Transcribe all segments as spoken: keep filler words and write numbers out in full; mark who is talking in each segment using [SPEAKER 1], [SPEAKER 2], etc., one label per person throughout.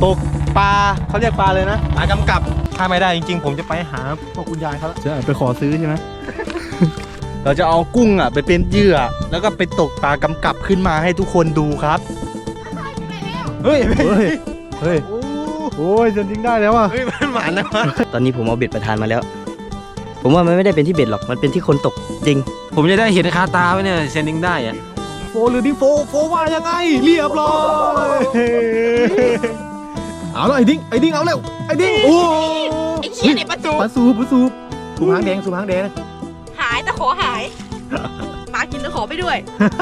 [SPEAKER 1] ตกปลาเขาเรียกปลาเลยนะปลากำกับถ้าไม่ได้จริงๆผมจะไปหาพวกคุณยายเขาจะไปขอซื้อใช่ไหม เราจะเอากุ้งอ่ะไปเป็นเหยื่อแล้วก็ไปตกปลากำกับขึ้นมาให้ทุกคนดูครับเฮ้ยเฮ้ยเฮ้ยโอ้ยจนจริงได้แล้วอ่ะเฮ้ยมันหวานนะ
[SPEAKER 2] ตอนนี้ผมเอาเบ็ดประทานมาแล้ว ผมว่ามันไม่ได้เป็นที่เบ็ดหรอกมันเป็นที่คนตกจริง
[SPEAKER 3] ผมจะได้เห็นคาตาไว้เนี่ยเซนดิ้งได้อะ
[SPEAKER 1] โฟหรือดิ้งโฟโฟว่ายังไงเรียบร้อยเอาแล้วไอ้ดิ้งไอ้ดิ้งเอาเร็วไอ้ดิ้งโอ้
[SPEAKER 4] ไอ้เชี่ยเนี่ยปลาสูบ
[SPEAKER 1] ปลาสูบปลาสูบสูบหางแดงสูบหางแดง
[SPEAKER 4] หายแต่ขอหายหมากินแล้วขอไปด้วย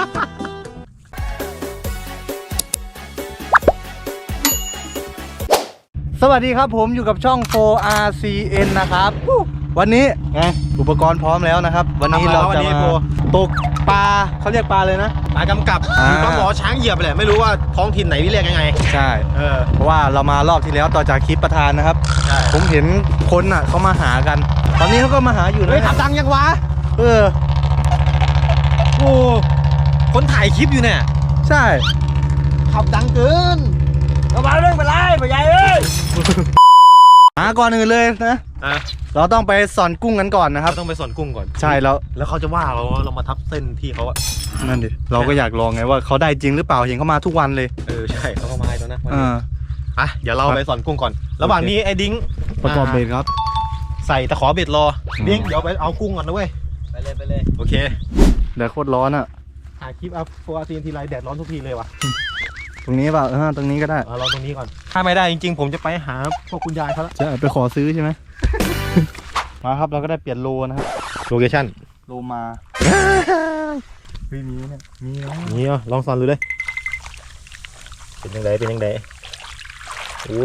[SPEAKER 1] สวัสดีครับผมอยู่กับช่อง โฟร์ อาร์ ซี เอ็น นะครับวันนี้ไงอุปกรณ์พร้อมแล้วนะครับวันนี้เราจะมาตกปลาเขาเรียกปลาเลยนะ
[SPEAKER 3] ปลากำกับปลาหมอช้างเหยียบไปแหละไม่รู้ว่าท้องถิ่นไหนที่เรียกยังไง
[SPEAKER 1] ใช่เออเพราะว่าเรามารอบที่แล้วต่อจากคลิปประธานนะครับผมเห็นคนอ่ะเขามาหากันตอนนี้เขาก็มาหาอยู่นะ
[SPEAKER 3] ขับดังยังวะ
[SPEAKER 1] เออ
[SPEAKER 3] โอ้คนถ่ายคลิปอยู่เนี่ย
[SPEAKER 1] ใช่
[SPEAKER 3] ขับดังเกิน
[SPEAKER 2] เอามาเรื่องไปไล่ไปใหญ่เอ้ย
[SPEAKER 1] หาก่อนอื่นเลยนะเราต้องไปสอนกุ้งกันก่อนนะครับ
[SPEAKER 3] ต้องไปสอนกุ้งก่อน
[SPEAKER 1] ใช่แล้ว
[SPEAKER 3] แล้วเขาจะว่าเราเรามาทับเส้นที่เขาอะ
[SPEAKER 1] นั่นดิเราก็อยากลองไงว่าเขาได้จริงหรือเปล่าเห็นเขามาทุกวันเลย
[SPEAKER 3] เออใช่เขาก็มาแล้วนะอ่ะเดี๋ยวเราไปสอนกุ้งก่อนระหว่างนี้ไอ้ดิ้ง
[SPEAKER 1] ประกอบเบ็ดครับ
[SPEAKER 3] ใส่ตะขอเบ็ดรอดิ้งเดี๋ยวไปเอากุ้งก่อนนะเว้ย
[SPEAKER 2] ไปเลยไปเลย
[SPEAKER 3] โอเค
[SPEAKER 1] แดดโคตรร้อนอ่ะ
[SPEAKER 3] ถ่ายคลิปอัพโฟร์ อาร์ ซี เอ็น ทีไรแดดร้อนทุกทีเลยว่ะ
[SPEAKER 1] ตรงนี้เปล่าเออตรงนี้ก็ได้
[SPEAKER 3] เราตรงนี้ก่อนถ้าไม่ได้จริงๆผมจะไปหาพวกคุณยายเขาแล้ว
[SPEAKER 1] จะไปขอซื้อใช่ไหม มาครับเราก็ได้เปลี่ยนโลนะครับ
[SPEAKER 3] โลเคชั่น
[SPEAKER 1] โลมาเฮ้ยมีเนี่ยมีนะ
[SPEAKER 3] มีอ่ะลองสอนดูเลยเป็นยังไงเป็นยังไงโอ้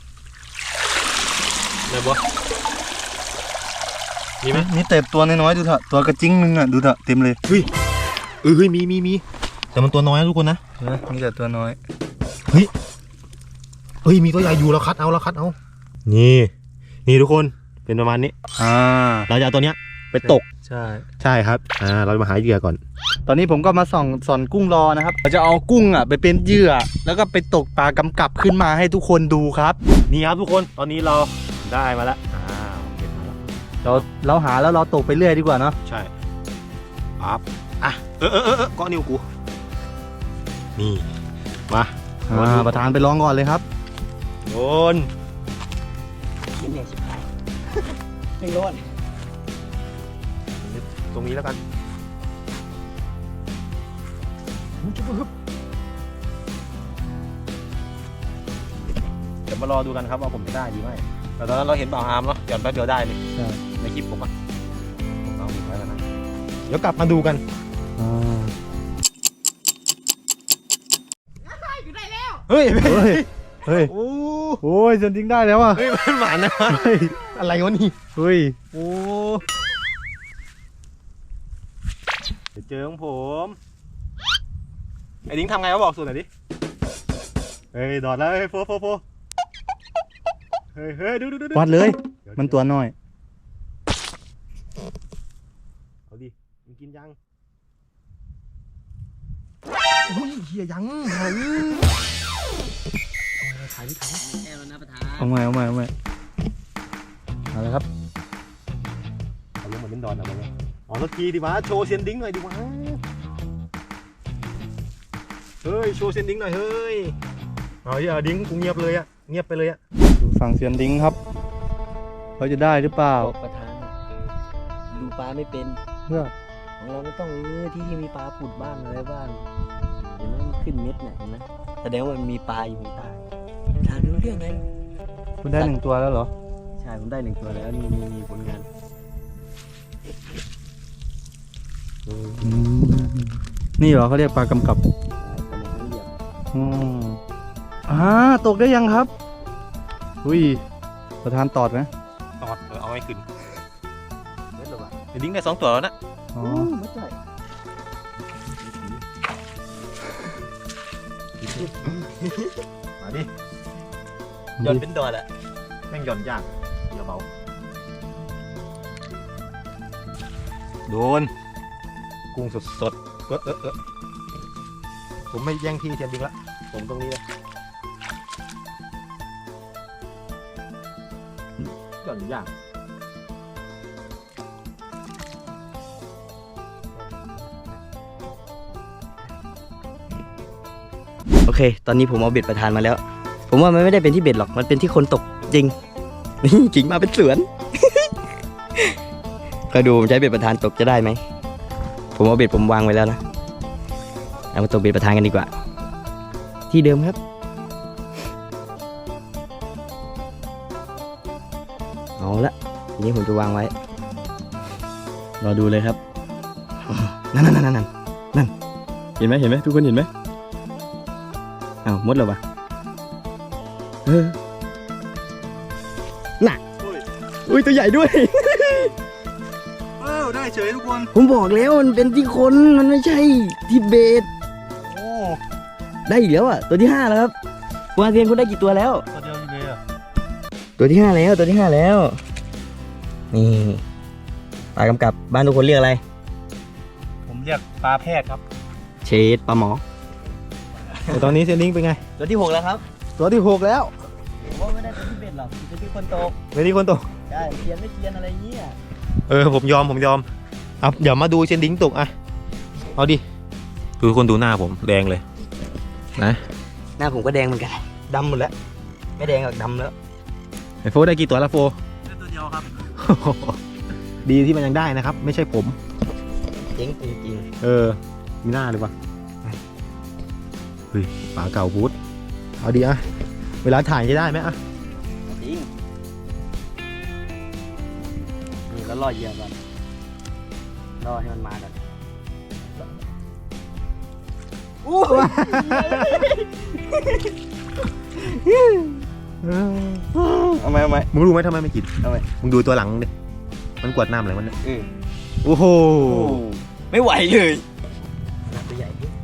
[SPEAKER 3] ได้บ่มีไหม
[SPEAKER 1] มีเต็บตัวน้อยๆดูเถอะตัวกระจิ้งนึงอ่ะดูเถอะเต็มเลย
[SPEAKER 3] เฮ้ยเออเฮ้ยมีมีมีแต่มันตัวน้อยนะทุกคนนะ
[SPEAKER 1] มีแต่ตัวน้อย
[SPEAKER 3] เฮ้ยเฮ้ยมีตัวใหญ่อยู่เราคัดเอาเราคัดเอานี่นี่ทุกคนเป็นประมาณนี้
[SPEAKER 1] อ่า
[SPEAKER 3] เราจะเอาตัวเนี้ยไปตก
[SPEAKER 1] ใช่
[SPEAKER 3] ใช่ครับอ่าเรามาหาเหยื่อก่อน
[SPEAKER 1] ตอนนี้ผมก็มาส่องสอนกุ้งรอนะครับเราจะเอากุ้งอ่ะไปเป็นเหยื่อแล้วก็ไปตกปลากำกับขึ้นมาให้ทุกคนดูครับ
[SPEAKER 3] นี่ครับทุกคนตอนนี้เราได้มาแล้วอ่าเก็บมาแล้ว
[SPEAKER 1] เราเราหาแล้วเราตกไปเรื่อยดีกว่าเนาะ
[SPEAKER 3] ใช่ปั๊บอ่ะเออเออเออก้อนนิ้วกูนี่มา
[SPEAKER 1] ประธานไปลองก่อนเลยครับ
[SPEAKER 3] โดน
[SPEAKER 2] ไม่ร้อน
[SPEAKER 3] ตรงนี้แล้วกันเดี๋ยวมารอดูกันครับว่าผมจะได้ดีไหมแต่ตอนนั้นเราเห็นบ่าวอาร์มเนาะหย่อนแป๊บเดียวได้เลยในคลิปผมอะเอาไปแล้วนะเดี๋ยวกลับมาดูกัน
[SPEAKER 1] เฮ้ยเฮ้ยเฮ้ยโอ้โหจนจริงได้แล้วอ่ะ
[SPEAKER 3] เฮ้ยมันหวานนะอะไรวะนี่
[SPEAKER 1] เฮ้ย
[SPEAKER 3] โอ้เดี๋ยวเจอของผมไอ้ดิ้งทำไงวะบอกสูตรหน่อยดิเฮ้ยดอดแล้วเฮ้ยโฟโฟโฟเฮ้ยเฮ้ยดูดูดู
[SPEAKER 1] วัดเลยมันตัวน้อย
[SPEAKER 3] เอาดิมันกินยังโอ้ยเฮียยังเฮ้ยถ่ายดิถ่าย
[SPEAKER 1] เอาใหม่เอาใหม่เอาใหม่เอาเลยครับ
[SPEAKER 3] เอาลงมาเป็นดอนเอาไปเลยอ๋อสักทีดิวะโชว์เซียนดิ้งหน่อยดิวะเฮ้ยโชว์เซียนดิ้งหน่อยเฮ้ยเอาอย่าดิ้งกูเงียบเลยอะเงียบไปเลยอะ
[SPEAKER 1] ดูฝั่งเซียนดิ้งครับเขาจะได้หรือเปล่า
[SPEAKER 2] ประธานดูปลาไม่เป็น
[SPEAKER 1] เพื่อ
[SPEAKER 2] ของเราไม่ต้องเออที่ที่มีปลาปุดบ้างอะไรบ้างเห็นไหมมันขึ้นเม็ดเนี่ยเห็นไหมแสดงว่ามันมีปลาอยู่ในใต้ทางรู้เรื่องไง
[SPEAKER 1] คุณได้หนึ่งตัวแล้วเหรอ
[SPEAKER 2] ใช่ผมได้หนึ่งตัวแล้วนี่มีมีผลงาน
[SPEAKER 1] นี่เหรอเขาเรียกปลากำกับอืมอ่าตกได้ยังครับอุ้ยประธานตอดไหม
[SPEAKER 3] ตอดเอาไว้ขึ้นเด็ดหรอวะเดี๋ยวดิ้งได้สองตัวแล้วนะ
[SPEAKER 2] อ๋อไม่ใช่
[SPEAKER 3] มาดิหย่อนเป็นดอดอะแม่งหย่อนยากเดี๋ยวเบาโดนกุ้งสดสดเออเออเออผมไม่แย่งที่เทียนดิ้งละผมตรงนี้เลยหย่อนอย่าง
[SPEAKER 2] โอเค ตอนนี้ผมเอาเบ็ดประธานมาแล้ว ผมว่ามันไม่ได้เป็นที่เบ็ดหรอก มันเป็นที่คนตกจริง นี่กิ่งมาเป็นสวน ก็ดูผมใช้เบ็ดประธานตกจะได้ไหม ผมเอาเบ็ดผมวางไว้แล้วนะ เอามาตกเบ็ดประธานกันดีกว่า ที่เดิมครับ เอาละทีนี้ผมจะวางไว้ รอดูเลยครับ นั่นนั่นนั่นนั่นนั่นเห็นไหมเห็นไหมทุกคนเห็นไหมอ้าวมดแล้ววะเออน่ะอุ้ยตัวใหญ่ด้วย
[SPEAKER 1] เออได้เฉยทุกคน
[SPEAKER 2] ผมบอกแล้วมันเป็นที่คนมันไม่ใช่ที่เบส
[SPEAKER 1] โอ้
[SPEAKER 2] ได้อีกแล้วอ่ะตัวที่ห้าแล้วครับวาเซียนคุณได้กี่ตัวแล้ว
[SPEAKER 1] ตัวเดียวอยู่เลยอ่ะ
[SPEAKER 2] ตัวที่ห้าแล้วตัวที่ห้าแล้วนี่ปลากำกับบ้านทุกคนเรียกอะไร
[SPEAKER 1] ผมเรียกปลาแพทย์ครับ
[SPEAKER 2] เชดปลาหมอ
[SPEAKER 1] แต่ตอนนี้เซนดิ้งเป็นไง
[SPEAKER 2] ตัวที่หกแล้วครับ
[SPEAKER 1] ตัวที่หกแล้ว
[SPEAKER 2] ผมว่าไม่ได้เป็นที่เบสหรอกเป็นที่คนโต
[SPEAKER 1] เวทีคนตก
[SPEAKER 2] ใช่เทียนไม่เทียนอะไรเงี้ย
[SPEAKER 1] เออผมยอมผมยอมเอาเดี๋ยวมาดูเซนดิ้งตกอ่ะเอาดิดูคนดูหน้าผมแดงเลยนะ
[SPEAKER 2] หน้าผมก็แดงเหมือนกันดำหมดแล้วไม่แดงหรอกดำแล้ว
[SPEAKER 1] ไอโฟได้กี่ตัวแล้วโฟได้ตัวเดียวครับ ดีที่มันยังได้นะครับ ไม่ใช่ผม
[SPEAKER 2] เจ๋งจริง
[SPEAKER 1] เออมีหน้าเลยวะเฮ้ยปลาเก่าบูธเอาดีอะเวลาถ่ายจะได้ไหมอะ
[SPEAKER 2] ๆจริงนี่แล้วรอเหยื่อก่อนรอให้มันมาก่อนอู้ เอาไหมเอาไหม
[SPEAKER 1] มึงรู้ไหมทำไมไม่กิน
[SPEAKER 2] ทำไม
[SPEAKER 1] มึงดูตัวหลังดิมันกวาดน้ำอะไรมันเนี่ย
[SPEAKER 2] เออ
[SPEAKER 1] โอ้โห
[SPEAKER 2] ไม่ไหวเลยตัวใหญ่ดิ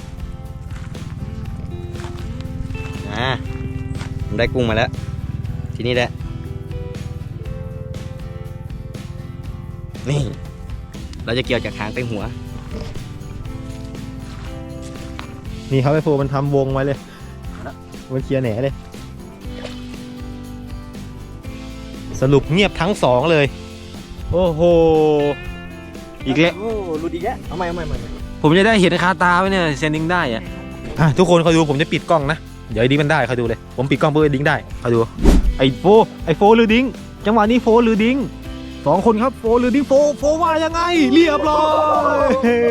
[SPEAKER 2] อ่าผมได้กุ้งมาแล้ว ทีนี้แหละ นี่ เราจะเกี่ยวจากหางไปหัว
[SPEAKER 1] นี่ครับไอโฟมันทำวงไว้เลยมันเคลียร์แหนเลย สรุปเงียบทั้งสองเลย โอ้โห อีกแล้ว
[SPEAKER 2] โอ้รุดอีกแล้วเอาใหม่เอาใหม่เอาใหม่
[SPEAKER 1] ผมจะได้เห็นคาตาไว้เนี่ยเซนดิ้งได้อะอ่ะทุกคนคอยดูผมจะปิดกล้องนะ เดี๋ยวไอ้ดิ้งมันได้คอยดูเลย ผมปิดกล้องเพื่อไอ้ดิ้งได้คอยดู ไอ้โฟไอ้โฟหรือดิ้งจังหวะนี้โฟหรือดิ้งสองคนครับโฟหรือดิ้งโฟโฟว่ายังไง เรียบร้อย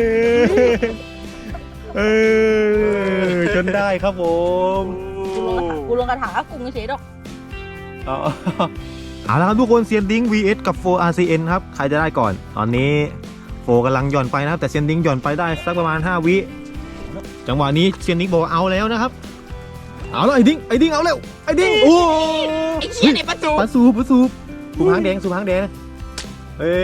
[SPEAKER 1] เออจนได้ครับผม
[SPEAKER 4] กูลงกระถางกูไม่เฉยดอก
[SPEAKER 1] เอาเอาละครับทุกคนเซียนดิ้ง วี เอส กับโฟ อาร์ ซี เอ็น ครับใครจะได้ก่อนตอนนี้โฟกำลังหย่อนไปนะครับแต่เซียนดิ้งหย่อนไปได้สักประมาณห้าวิจังหวะนี้เซียนดิ้งบอกเอาแล้วนะครับเอาแล้วไอ้ดิ้งไอ้ดิ้งเอาแล้วไอ้ดิ้งโอ้
[SPEAKER 4] ไอ้เชี่ยเนี่ยประตู
[SPEAKER 1] ปลาสูบปลาสูบสูบหางแดงสูบหางแดงเอ้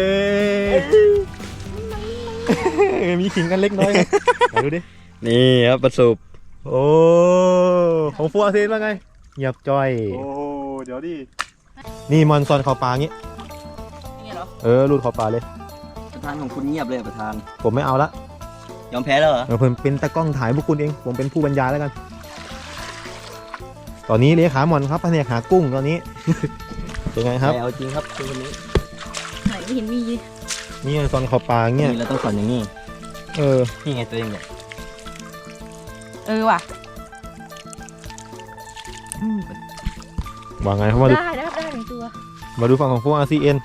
[SPEAKER 1] ยมีขิงกันเล็กน้อยนะไหนดูดิ
[SPEAKER 2] นี่ครับประสบ
[SPEAKER 1] โอ้ของโฟ อาร์ ซี เอ็นว่าไงเงียบจ้อย
[SPEAKER 3] โอ้เดี๋ยวดิ
[SPEAKER 1] นี่มอนซอนเขาปลางี้
[SPEAKER 4] นี่เหรอ
[SPEAKER 1] เออรูดเขาปลาเลย
[SPEAKER 2] ประธานของคุณเงียบเลยอะประธาน
[SPEAKER 1] ผมไม่เอาละ
[SPEAKER 2] ยอมแพ้แล้วเหรอ
[SPEAKER 1] เออผมเป็นตากล้องถ่ายพวกคุณเองผมเป็นผู้บรรยายแล้วกัน ตอนนี้เลขาหมอนครับแผนกหากุ้งตอนนี้ เป็นไงครับ
[SPEAKER 2] ไม่เอาจริงครับตัวนี้
[SPEAKER 4] ไหนไม่เห็นมี
[SPEAKER 1] นี่ซอนเขาปลาเงี้ย
[SPEAKER 2] นี่เราต้องสอนอย่างนี้
[SPEAKER 1] เออ
[SPEAKER 2] นี่ไงตัวเองเนี่ย
[SPEAKER 4] เออว่ะ
[SPEAKER 1] ว่าไงเขามาดู
[SPEAKER 4] ได้ได้ได้หนึ่งตัว
[SPEAKER 1] มาดูฝั่งของพวก อาร์ ซี เอ็น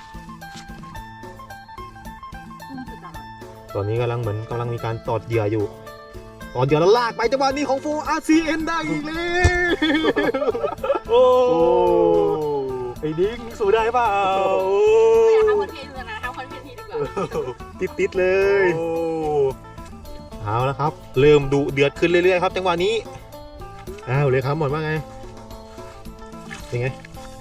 [SPEAKER 1] ตอนนี้กำลังเหมือนกำลังมีการตอดเหยื่ออยู่ตอดเหยื่อแล้วลากไปจังหวะนี้ของโฟ อาร์ ซี เอ็น ได้อีกแล้วโอ้ไอ้ดิ้งสู้ได้เปล่า
[SPEAKER 4] ไม่อยากทำคอนเทนต์เลยนะทำคอนเทนต์ทีดีกว่า
[SPEAKER 1] ติดติดๆเลยเอาแล้วครับ เริ่มดุเดือดขึ้นเรื่อยๆครับจังหวะนี้อ้าวเลยครับหมดว่าไงเป็นไง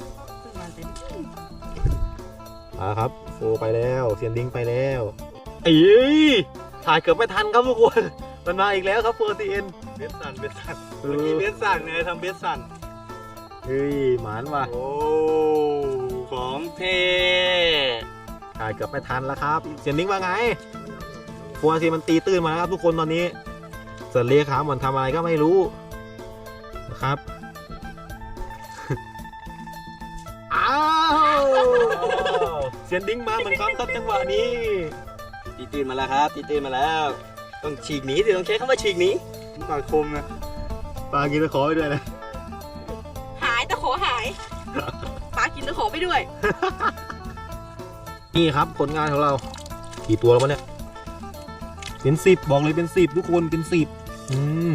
[SPEAKER 1] อ่าครับโฟไปแล้วเซียนดิ้งไปแล้วเอ้ยถ่ายเกือบไม่ทันครับทุกคนมันมาอีกแล้วครับโฟซีเอ็น
[SPEAKER 3] เบสสันเบสสันเมื่อกี้เบสสันไงทำเบสสัน
[SPEAKER 1] เฮ้ยหมานว่ะ
[SPEAKER 3] โอ้ของเท
[SPEAKER 1] ถ่ายเกือบไม่ทันแล้วครับเซียนดิ้งว่าไงโฟซีมันตีตื้นมาแล้วครับทุกคนตอนนี้ส่วนเลขามันทำอะไรก็ไม่รู้นะครับ อ้าว
[SPEAKER 3] เสียนดิ้งมาเหมือนกันครับจังหวะนี้
[SPEAKER 2] ตีตื่นมาแล้วครับตีตื่นมาแล้ว ต้องฉีกหนีสิต้องใช้คำว่าฉีกหนี
[SPEAKER 3] ปลาคมนะปลากินตะขอไปด้วยนะ
[SPEAKER 4] หายตะขอหาย หมากินตะขอไปด้วย
[SPEAKER 3] นี่ครับผลงานของเรากี่ตัวแล้ววะเนี่ยเป็นสิบบอกเลยเป็นสิบทุกคนเป็นสิบอืม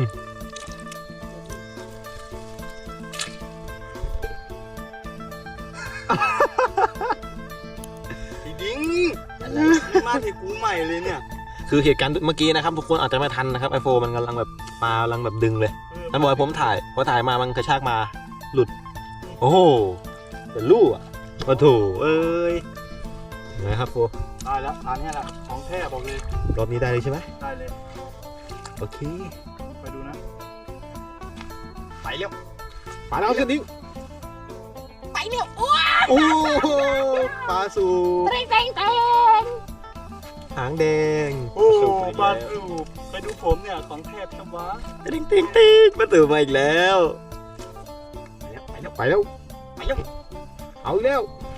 [SPEAKER 2] ไอ้ดิ้งอะไรมาถึงกูใหม่เลยเนี่ย
[SPEAKER 3] คือเหตุการณ์เมื่อกี้นะครับทุกคนอาจจะไม่ทันนะครับไอโฟมันกำลังแบบปลากำลังแบบดึงเลยนั่นบอกให้ผมถ่ายพอถ่ายมามันกระชากมาหลุดโอ้โหเป็นลู่อ่ะโอ้โถเอ้ยไงครับโฟ
[SPEAKER 1] ได้แล้วอันนี้แหละของแท้บอกเลย
[SPEAKER 3] รอบนี้ได้เลยใช่ไหม
[SPEAKER 1] ได้เลย
[SPEAKER 3] โอเค
[SPEAKER 1] ไปดูนะ
[SPEAKER 2] ไปเร็ว
[SPEAKER 3] ปลาดาวเสียนดิ้ง
[SPEAKER 4] ไปเนี่ยอ้ว
[SPEAKER 3] โอ้โหปลาสูบ
[SPEAKER 4] เตงเตงเตง
[SPEAKER 3] หางแดง
[SPEAKER 1] โอ้
[SPEAKER 3] สูบไป
[SPEAKER 1] ปลา
[SPEAKER 3] แล้ว
[SPEAKER 1] สูบไปดูผมเนี่ยของแท้ชัวะ
[SPEAKER 2] ติ๊งติ๊งติ๊งมาตื่นมาอีกแล้ว
[SPEAKER 3] ไปแล้วไปแล้วไปแล้วเอาอีกแล้ว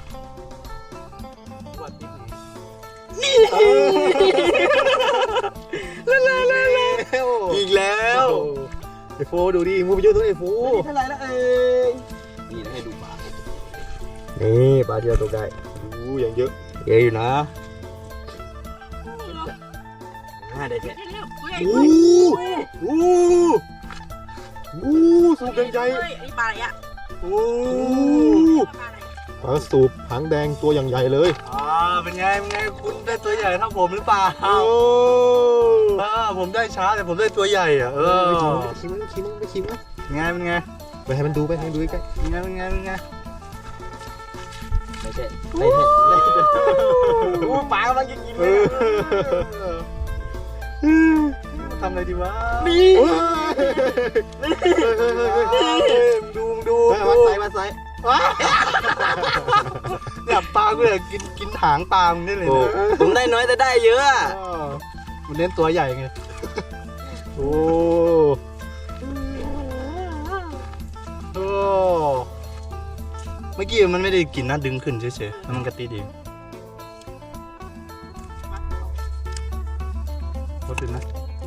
[SPEAKER 1] วัดนิดหนึ่ง
[SPEAKER 3] ลาลาลาลา
[SPEAKER 2] อีกแล้ว
[SPEAKER 3] ไอโฟดูดิมูไปเยอะตัวไอโฟ
[SPEAKER 2] เท่าไหร่แล้วเอ้ยนี่นะให้ดูปลา
[SPEAKER 3] นี่ปลาที่เราตกได้ดูอย่างเยอะ
[SPEAKER 2] เยอะอยู่นะน่าได้แท้
[SPEAKER 4] เร็วๆตัวใหญ่
[SPEAKER 3] โอ้
[SPEAKER 4] ด้วย
[SPEAKER 3] โหโอ้สูบแดงใหญ่
[SPEAKER 4] เฮ้ยอันนี้ปลาอะไรอ่ะ
[SPEAKER 3] โอ้
[SPEAKER 4] ปลาอะไร
[SPEAKER 3] ปลาสูบหางแดงตัวอย่างใหญ่เลย
[SPEAKER 1] อ่าเป็นไงเป็นไงคุณได้ตัวใหญ่เท่าผมหรือเปล่า
[SPEAKER 3] โอ้
[SPEAKER 1] เออผมได้ช้าแต่ผมได้ตัวใหญ่อ่ะเออ
[SPEAKER 3] ไปชิมไปชิมไปชิมไปชิมนะ
[SPEAKER 1] เป็นไงเป็นไง
[SPEAKER 3] ไปให้มันดูไปให้มันดูใกล้
[SPEAKER 1] เป็นไงเป็นไงเป็นไง
[SPEAKER 2] ไม่ใช่ไม่ใช่ไม่ใช่โอ้ปลากำลังจะกิน
[SPEAKER 3] เอ
[SPEAKER 2] เลย
[SPEAKER 3] อ
[SPEAKER 1] ทำอะไรดีวะ
[SPEAKER 2] นี่
[SPEAKER 1] ดูดู
[SPEAKER 3] มาใส่มาใส่
[SPEAKER 1] เนี่ยปลากูเนี่ยกินกินหางปลามึงได้เลย
[SPEAKER 2] โอ้
[SPEAKER 1] นะ
[SPEAKER 2] ผมได้น้อยแต่ได้เยอะอะ
[SPEAKER 1] เออมันเล่นตัวใหญ่ไงโอ้โอ้เมื่อกี้มันไม่ได้กินนะดึงขึ้นเฉยๆแล้วมันก็ตีดีรถดึงนะ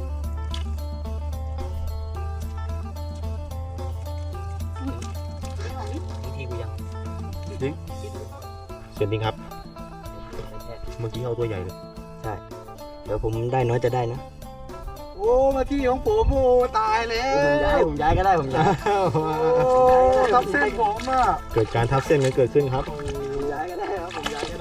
[SPEAKER 2] บางทีกูยัง
[SPEAKER 1] ดึง
[SPEAKER 3] เสียนดิงครับ เมื่อกี้เอาตัวใหญ่เลย
[SPEAKER 2] เดี๋ยวผมได้น้อยจะได้นะ
[SPEAKER 1] โอ้มาที่ของผมโอ้ตายแล้
[SPEAKER 2] ผมย้ายว ผมย้ายก็ได้ผมย้าย
[SPEAKER 1] โอ้ทับเส้นผมอ่ะ
[SPEAKER 3] เกิดการทับเส้นกันเกิดขึ้นครับ
[SPEAKER 2] ผมย้ายก็ได้ครับผมย้ายก็ได้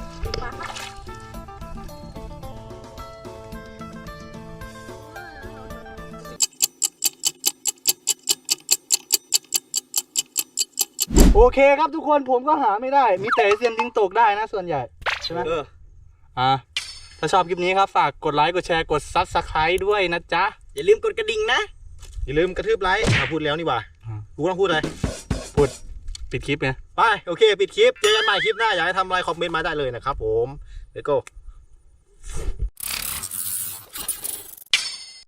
[SPEAKER 1] โอเคครับทุกคนผมก็หาไม่ได้ มีแต่เซียนดิงตกได้นะส่วนใหญ่ใช่ไหม
[SPEAKER 2] เออ
[SPEAKER 1] อ่าถ้าชอบคลิปนี้ครับฝากกดไลค์กดแชร์กดซับสไครต์ด้วยนะจ๊ะ
[SPEAKER 2] อย่าลืมกดกระดิ่งนะ
[SPEAKER 3] อย่าลืมกระทืบไลค์มาพูดแล้วนี่หว่า
[SPEAKER 1] อ่า
[SPEAKER 3] กูต้องพูดอะไร
[SPEAKER 1] พูดปิดคลิปไง
[SPEAKER 3] ไป โอเค ปิดคลิป เจอกันใหม่คลิปหน้า อยากให้ทำอะไร คอมเมนต์มาได้เลยนะครับผม Let's go